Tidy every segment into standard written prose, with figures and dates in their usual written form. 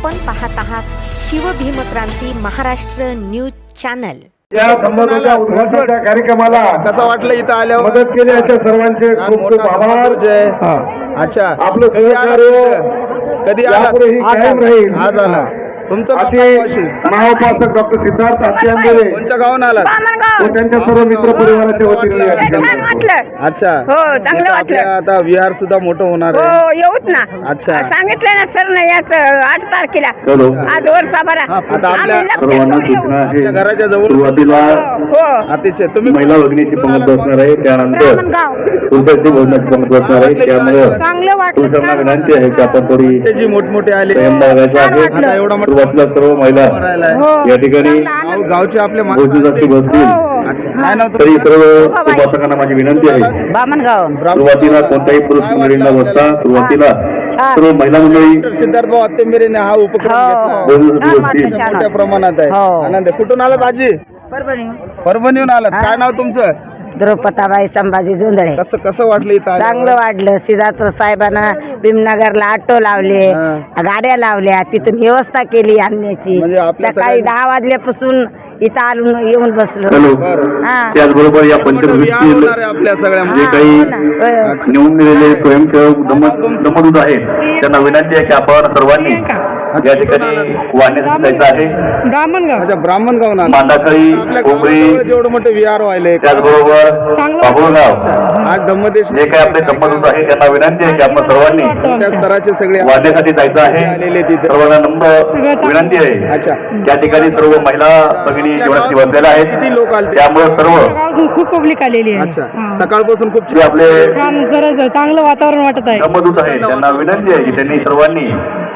आपण पाहत आहात शिवभीमक्रांती महाराष्ट्र न्यूज चॅनल। या संबंधाच्या उद्घाटनाच्या कार्यक्रमाला कसं वाटलं इथं आल्यावर? मदत केली अशा सर्वांचे खूप खूप आभार। अच्छा, आपलं सहकार्य कधी यापुढेही कायम राहील। आज आला तुमचं असे महाउपासक डॉक्टर सिद्धार्थ आत्यांबेले कोणत्या गावून आला? व त्यांच्या सर्व मित्र परिवाराच्या वतीने या ठिकाणी। अच्छा, हो, चांगलं वाटलं। आता विहार सुद्धा मोठं होणार आहे। हो, येऊत ना। अच्छा, सांगितलं ना सर ना याच 8 तारखेला आज वर्षा भरा। आता आपल्या सर्वांना सूचना आहे, आपल्या घराच्या जवळ सुरुवातीला हो अतिशय तुम्ही महिला भगिनीची पंगत बसणार आहे, त्यानंतर उद्याची भोजनाची पंगत बसणार आहे। त्यामुळे चांगलं वाटलं। तुमच्या विनंती आहे की आपण थोडी ते जी मोठमोठे आले संयम बाळगायचा आहे। आता एवढा मोठा सुरुवातीला सर्व महिला या ठिकाणी गावचे आपले भोजनाची बसतील। काय नाव तरी सर्व उपासकांना माझी विनंती आहे, बामणगाव सुरुवातीला कोणत्याही पुरुष मंडळींना बसता सुरुवातीला सर्व महिला मंडळी सिद्धार्थ भाऊ आत्तेंबेरेने हा उपक्रम घेतला भोजनाची बसतील। मोठ्या प्रमाणात आहे। आनंद आहे। कुठून आलात आजी? परभणीहून आलात। काय नाव तुमचं? द्रौपदाबाई संभाजी जोंधळे। कसं कसं वाटलं इथं आल्यावर? चांगलं वाटलं। सिद्धार्थ साहेबांना भीमनगरला ऑटो लावले, गाड्या लावल्या, तिथून व्यवस्था केली आणण्याची। म्हणजे आपल्या सकाळी 10 वाजल्यापासून इथं आलो, येऊन बसलो। हा, त्याचबरोबर या विहार पंचकृषीतील होणार आहे आपल्या सगळ्या जे काही निवडून दिलेले स्वयंसेवक दमदूत आहेत त्यांना विनंती आहे की आपण सर्वांनी या ठिकाणी वाहण्यासाठी जायचं आहे। ब्राह्मणगाव। अच्छा, ब्राह्मण गावून आला। मांदाकळी, आपल्या कोंबळी, गावाजवळ जेवढं मोठे विहार व्हायले त्याचबरोबर बाबुळगाव आज धम्मदेश जे काही आपले दमदूत आहेत त्यांना विनंती आहे की आपण सर्वांनी त्या स्तराचे सगळे वाहण्यासाठी जायचं आहे। आलेले तिथे। सर्वांना नम्र विनंती आहे। अच्छा, त्या ठिकाणी सर्व महिला भगिनी जेवणासाठी बसलेल्या आहेत, किती लोक आले? त्यामुळे सर्व खूप पब्लिक आलेली आहे। अच्छा, सकाळपासून खूप जे आपले छान सरस चांगलं वातावरण वाटत आहे। दमदूत आहेत त्यांना विनंती आहे की त्यांनी सर्वांनी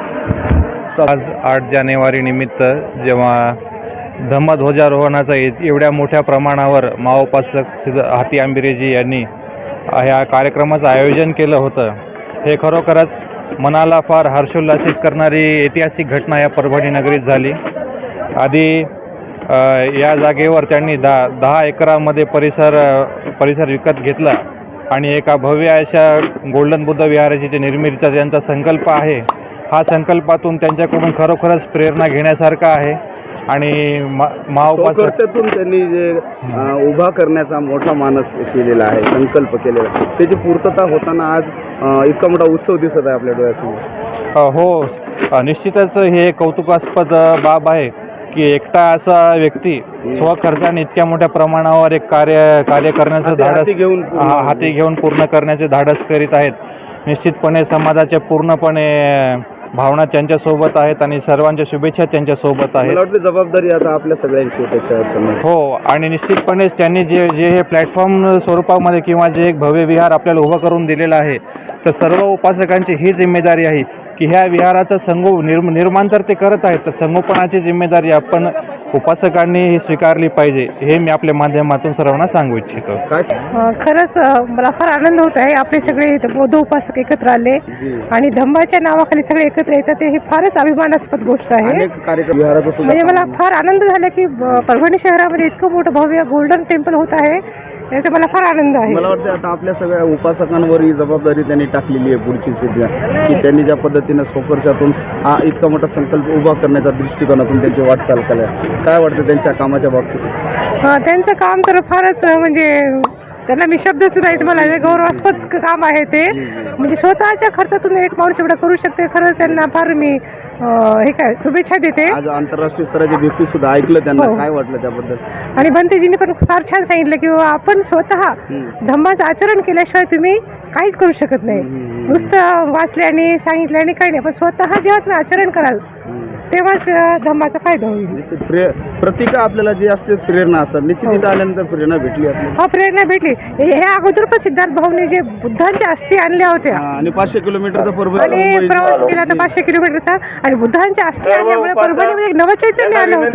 आज 8 जानेवारी निमित्त जेव्हा धम्मध्वजारोहणाचा एवढ्या मोठ्या प्रमाणावर महाउपासक हाती आंबिरेजी यांनी ह्या कार्यक्रमाचं आयोजन केलं होतं, हे खरोखरच मनाला फार हर्षोल्लासित करणारी ऐतिहासिक घटना या परभणी नगरीत झाली। आधी या जागेवर त्यांनी 10 एकरामध्ये परिसर विकत घेतला आणि एका भव्य अशा गोल्डन बुद्ध विहाराची जी निर्मितीचा त्यांचा संकल्प आहे, हा संकल्पातून त्यांच्याकडून खरोखरच प्रेरणा घेण्यासारखा आहे। आणि महाउपासक खर्चातून त्यांनी जे उभा करण्याचा मोठा मानस केलेला आहे, संकल्प केलेला आहे, त्याची पूर्तता होताना आज इतका मोठा उत्सव दिसत आहे आपल्या डोळ्यासमोर। हो, निश्चितच हे कौतुकास्पद बाब आहे की एकटा असा व्यक्ती स्वखर्चाने इतक्या मोठ्या प्रमाणावर एक कार्य करण्याचं धाडस हाती घेऊन पूर्ण करण्याचे धाडस करीत आहेत। निश्चितपणे समाजाच्या पूर्णपणे भावना त्यांच्यासोबत आहेत आणि सर्वांच्या शुभेच्छा त्यांच्यासोबत आहेत। मला वाटतं जबाबदारी आता आपल्या सगळ्यांची त्याच्यावर। हो, आणि निश्चितपणेच त्यांनी जे हे प्लॅटफॉर्म स्वरूपामध्ये किंवा जे एक भव्य विहार आपल्याला उभं करून दिलेलं आहे, तर सर्व उपासकांची ही जिम्मेदारी आहे की ह्या विहाराचं निर्माण तर ते करत आहेत, तर संगोपनाची जिम्मेदारी आपण उपासकांनी ही स्वीकारली पाहिजे, हे मी आपल्या माध्यमातून सर्वांना सांगू इच्छितो। खरंच मला फार आनंद होत आहे। आपले सगळे बौद्ध उपासक एकत्र आले आणि धम्माच्या नावाखाली सगळे एकत्र येतात, ही फारच अभिमानास्पद गोष्ट आहे। म्हणजे मला फार आनंद झाला की परभणी शहरामध्ये इतकं मोठं भव्य गोल्डन टेम्पल होत आहे, याचा मला फार आनंद आहे। मला वाटतं आता आपल्या सगळ्या उपासकांवर ही जबाबदारी त्यांनी टाकलेली आहे पुढची सिद्धी, की त्यांनी ज्या पद्धतीनं स्वखर्चातून हा इतका मोठा संकल्प उभा करण्याच्या दृष्टिकोनातून त्यांची वाटचाल केली आहे। काय वाटतं त्यांच्या कामाच्या बाबतीत? त्यांचं काम तर फारच म्हणजे त्यांना मी शब्दच नाही, मला गौरवास्पद काम आहे ते। म्हणजे स्वतःच्या खर्चातून एक माणूस एवढा करू शकते, खरंच त्यांना फार मी हे काय शुभेच्छा देते। आज आंतरराष्ट्रीय स्तराचे व्यक्ती सुद्धा ऐकलं, त्यांना काय वाटलं त्याबद्दल? आणि भंतेजींनी पण फार छान सांगितलं की आपण स्वतः धम्माचं आचरण केल्याशिवाय तुम्ही काहीच करू शकत नाही। नुसतं वाचल्याने सांगितल्याने काही नाही, पण स्वतः जेव्हा तुम्ही आचरण कराल तेव्हाच धम्माचा फायदा होईल। प्रतिका आपल्याला जे असते प्रेरणा असतात, निश्चित इथं आल्यानंतर प्रेरणा भेटली आपल्याला। हा, प्रेरणा भेटली। ह्या अगोदर पण सिद्धार्थ भाऊने जे बुद्धांच्या अस्थी आणल्या होत्या आणि 500 किलोमीटरचा आणि प्रवास केला तर 500 किलोमीटरचा, आणि बुद्धांच्या अस्थी आणल्यामुळे परभणीमध्ये एक नवचैतन्य आलं होतं।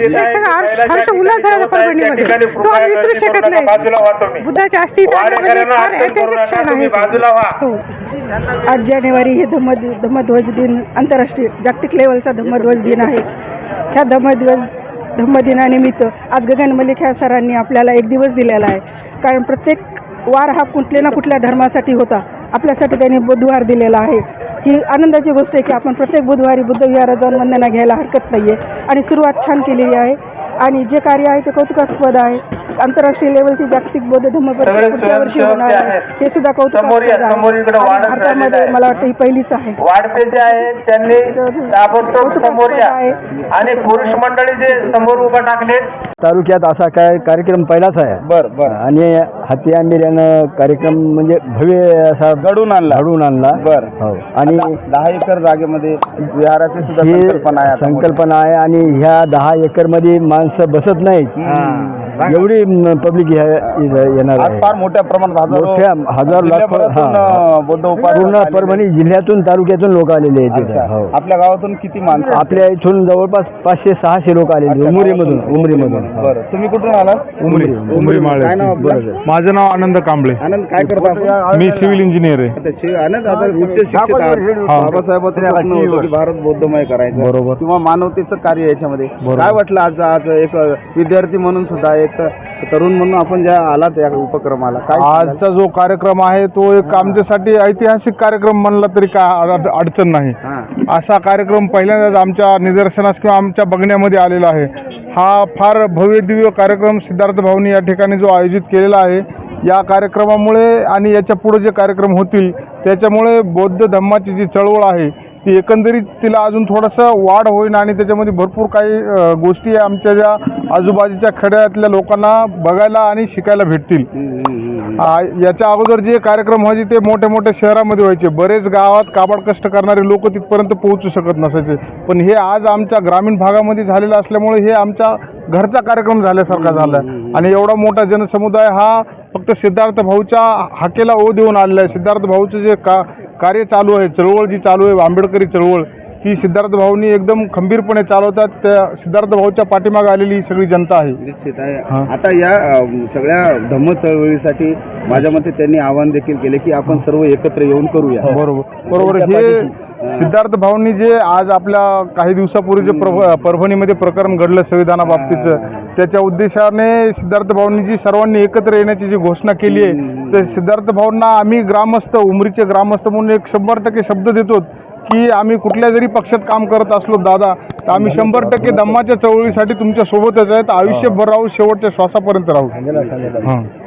हर्ष उल्हास झाला परभणीमध्ये, तो आम्ही विसरू शकत नाही। बुद्धाच्या अस्थी आणल्यामध्ये फार ऐतिहासिक क्षण आहे। 8 जानेवारी हे धम्मध्वज दिन, आंतरराष्ट्रीय जागतिक लेवलचा धम्मध्वज दिन आहे। ह्या धम्मदिनानिमित्त आज गगन मलिक ह्या सरांनी आपल्याला एक दिवस दिलेला आहे, कारण प्रत्येक वार हा कुठल्या ना कुठल्या धर्मासाठी होता, आपल्यासाठी त्यांनी बुधवार दिलेला आहे। ही आनंदाची गोष्ट आहे की आपण प्रत्येक बुधवारी बुद्ध विहारात जाऊन वंदना घ्यायला हरकत नाही आहे आणि सुरुवात छान केलेली आहे आणि जे कार्य आहे ते कौतुकास्पद आहे. आंतरराष्ट्रीय लेवलची जागतिक बौद्ध धम्म परिषद पुढच्या वर्षी होणार आहे, हे सुद्धा कौतुकास्पद आहे आणि भारतामध्ये मला वाटतं ही पहिलीच आहे. वाढते जे आहे त्यांनी ताबडतोब समोर या आणि पुरुष मंडळी जे समोर उभा टाकले. तालुक्यात असा काय कार्यक्रम पहिलाच आहे. बरं आणि हाती आंबेऱ्यानं कार्यक्रम म्हणजे भव्य असा घडून आणला. बरं हो. आणि 10 एकर जागेमध्ये विहाराची सुद्धा ही संकल्पना आहे आता. संकल्पना आहे आणि ह्या 10 एकर मध्ये माणसं बसत नाहीत, एवढी पब्लिक येणार आज आहे. फार मोठ्या प्रमाणात मोठ्या हजार लाख जिल्ह्याभरातून बौद्ध उपासक पूर्ण आलेले. परभणी जिल्ह्यातून तालुक्यातून लोक आलेले आहेत अच्छा. तिथे. हो. आपल्या गावातून किती माणसं? आपल्या इथून जवळपास 500-600 लोक आलेले उमरीमधून. बरं, तुम्ही कुठून आलात? उमरी माळे. काय नाव आपलं? माझं नाव आनंद कांबळे. आनंद, काय करता आपण? मी सिव्हिल इंजिनियर आहे. आता आनंद, आता उच्च शिक्षित आहात. बाबासाहेबांचं स्वप्न होतं की भारत बौद्धमय करायचं, बरोबर. किंवा मानवतेचं कार्य याच्यामध्ये काय वाटलं आज एक विद्यार्थी म्हणून सुद्धा, एक तरुण म्हणून आपण ज्या आलात या उपक्रमाला, काय सांगाल? आजचा जो कार्यक्रम आहे तो एक आमच्यासाठी ऐतिहासिक कार्यक्रम म्हणला तरी काय अडचण नाही. हां. असा कार्यक्रम पहिल्यांदाच आमच्या निदर्शनास किंवा आमच्या बघण्यामध्ये आलेला आहे. हा फार भव्य दिव्य कार्यक्रम सिद्धार्थ भाऊनी या ठिकाणी जो आयोजित केलेला आहे, या कार्यक्रमामुळे आणि याच्या पुढे जे कार्यक्रम होतील त्याच्यामुळे बौद्ध धम्माची जी चळवळ आहे ती एकंदरीत तिला अजून थोडंसं वाढ होईल आणि त्याच्यामध्ये भरपूर काही गोष्टी आमच्या ज्या आजूबाजूच्या खेड्यातल्या लोकांना बघायला आणि शिकायला भेटतील. याच्या अगोदर जे कार्यक्रम व्हायचे ते मोठ्या मोठ्या शहरामध्ये व्हायचे. बरेच गावात काबाड कष्ट करणारे लोक तिथपर्यंत पोहोचू शकत नसायचे, पण हे आज आमच्या ग्रामीण भागामध्ये झालेलं असल्यामुळे हे आमच्या घरचा कार्यक्रम झाल्यासारखा झाला आणि एवढा मोठा जनसमुदाय हा फक्त सिद्धार्थ भाऊच्या हाकेला ओ देऊन आलेला आहे. सिद्धार्थ भाऊचं जे कार्य चालू आहे, चळवळ जी चालू आहे, आंबेडकरी चळवळ, ती सिद्धार्थ भाऊनी एकदम खंबीरपणे चालवतात. त्या सिद्धार्थ भाऊच्या पाठीमागे आलेली ही सगळी जनता आहे. निश्चित आहे. आता या सगळ्या धम्म चळवळीसाठी माझ्या मते त्यांनी आवाहन देखील केले की आपण सर्व एकत्र येऊन करूया. बरोबर. हे सिद्धार्थ भाऊंनी जे आज आपल्या काही दिवसापूर्वी जे परभणीमध्ये प्रकरण घडलं संविधानाबाबतीचं, त्याच्या उद्देशाने सिद्धार्थ भाऊंनी जी सर्वांनी एकत्र येण्याची जी घोषणा केली आहे, तर सिद्धार्थ भाऊंना आम्ही ग्रामस्थ, उमरीचे ग्रामस्थ म्हणून एक 100% शब्द देतो की आम्ही कुठल्या जरी पक्षात काम करत असलो दादा, तर आम्ही 100% धम्माच्या चळवळीसाठी तुमच्या सोबतच आहेत. आयुष्यभर राहू, शेवटच्या श्वासापर्यंत राहू.